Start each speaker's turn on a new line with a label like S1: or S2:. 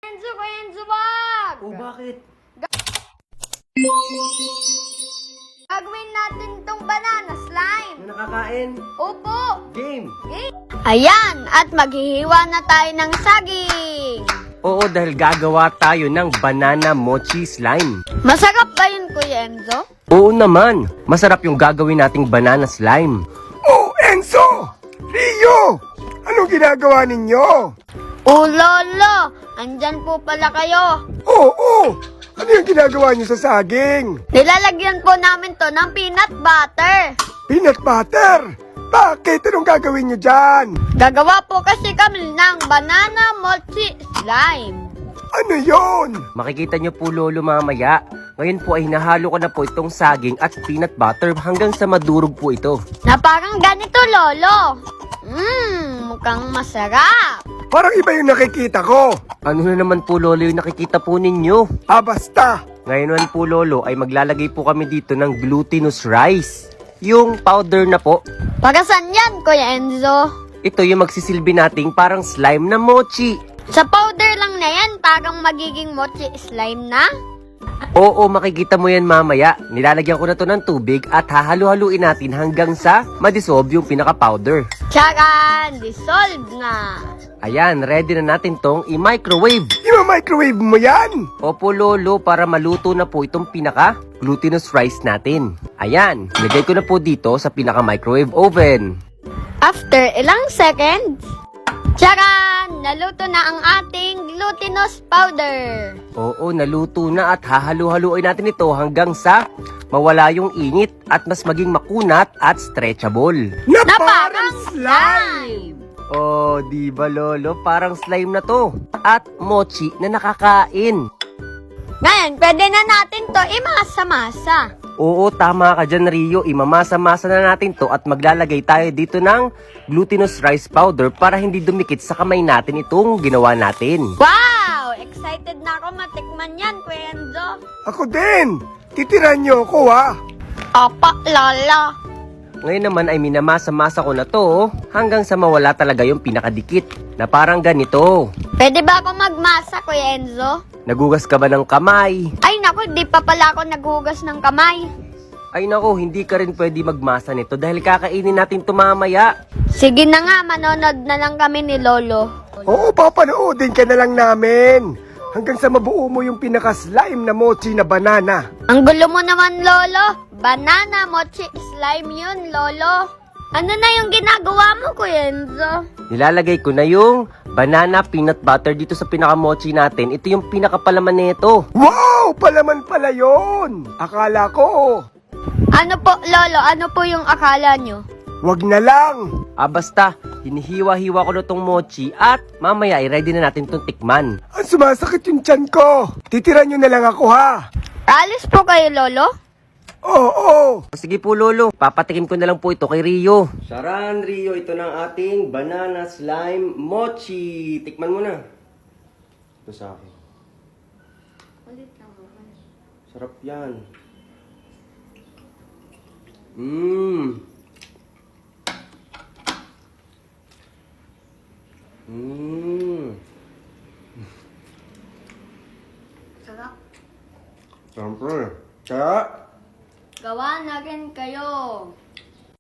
S1: Enzo, wag!
S2: Oh, bakit?
S1: Gagawin natin tong banana slime.
S2: Ano nakakain?
S1: Opo.
S2: Game!
S1: Ayan, at maghihiwa na tayo ng saging.
S2: Oo, dahil gagawa tayo ng banana mochi slime.
S1: Masarap ba yun, Kuya Enzo?
S2: Oo naman, masarap yung gagawin nating banana slime.
S3: Oh, Enzo! Rio! Anong ginagawa ninyo?
S1: Lolo, andyan po pala kayo.
S3: Oo! Ano yung ginagawa niyo sa saging?
S1: Nilalagyan po namin to ng peanut butter.
S3: Peanut butter! Bakit? Anong gagawin niyo dyan?
S1: Gagawa po kasi kami ng banana mochi slime.
S3: Ano yon?
S2: Makikita nyo po lolo mamaya. Ngayon po ay hinahalo ko na po itong saging at peanut butter hanggang sa madurog po ito.
S1: Na parang ganito, Lolo. Mukhang masarap.
S3: Parang iba yung nakikita ko.
S2: Ano na naman po lolo yung nakikita po ninyo?
S3: Basta!
S2: Ngayon naman po lolo ay maglalagay po kami dito ng glutinous rice. Yung powder na po.
S1: Para saan yan, Kuya Enzo?
S2: Ito yung magsisilbi nating parang slime na mochi.
S1: Sa powder lang na yan, parang magiging mochi slime na?
S2: Oo, makikita mo yan mamaya. Nilalagyan ko na to ng tubig at hahalu-haluin natin hanggang sa madissolve yung pinaka-powder.
S1: Tsaran! Dissolve na!
S2: Ayan, ready na natin tong i-microwave.
S3: Ima-microwave mo yan?
S2: Opo lolo, para maluto na po itong pinaka-glutinous rice natin. Ayan, nilagay ko na po dito sa pinaka-microwave oven.
S1: After ilang seconds, tsaran! Naluto na ang ating glutinous powder.
S2: Oo, naluto na at hahalu-haluin natin ito hanggang sa mawala yung init at mas maging makunat at stretchable.
S3: Na
S1: Na
S3: parang
S1: parang
S3: slime!
S2: Oh, di ba lolo? Parang slime na to. At mochi na nakakain.
S1: Ngayon, pwede na natin to imasa-masa.
S2: Oo, tama ka dyan Rio. Imamasa-masa na natin to at maglalagay tayo dito ng glutinous rice powder para hindi dumikit sa kamay natin itong ginawa natin.
S1: Wow! Excited na ako matikman yan, Kuya Enzo.
S3: Ako din! Titiran niyo ako ha!
S1: Opa, Lolo.
S2: Ngayon naman ay minamasa-masa ko na to hanggang sa mawala talaga yung pinakadikit na parang ganito.
S1: Pwede ba ako magmasa, Kuya Enzo?
S2: Nagugas ka ba ng kamay?
S1: Ay naku, di pa pala ako naghugas ng kamay.
S2: Ay nako, hindi ka rin pwede magmasa nito dahil kakainin natin ito mamaya.
S1: Sige na nga, manonood na lang kami ni Lolo.
S3: Oo, papanoodin ka na lang namin. Hanggang sa mabuo mo yung pinaka-slime na mochi na banana.
S1: Ang gulo mo naman, Lolo. Banana mochi slime yun, Lolo. Ano na yung ginagawa mo, Kuya Enzo?
S2: Nilalagay ko na yung banana peanut butter dito sa pinaka-mochi natin. Ito yung pinakapalaman nito.
S3: Wow! Palaman pala yun! Akala ko,
S1: Ano po, Lolo? Ano po yung akala nyo?
S3: wag na lang.
S2: Basta, hinihiwa-hiwa ko na tong mochi at mamaya ay ready na natin tong tikman.
S3: Ang sumasakit yung tiyan ko. Titiran niyo na lang ako ha.
S1: Alis po kayo, Lolo?
S3: Oo.
S2: Sige po lolo, papatikim ko na lang po ito kay Rio. Saran Rio, ito ng ating banana slime mochi. Tikman mo na. Ito sa akin. Sarap yan. Mmm.
S1: Sarap.
S2: Siyempre. Kaya,
S1: Gawa na rin kayo.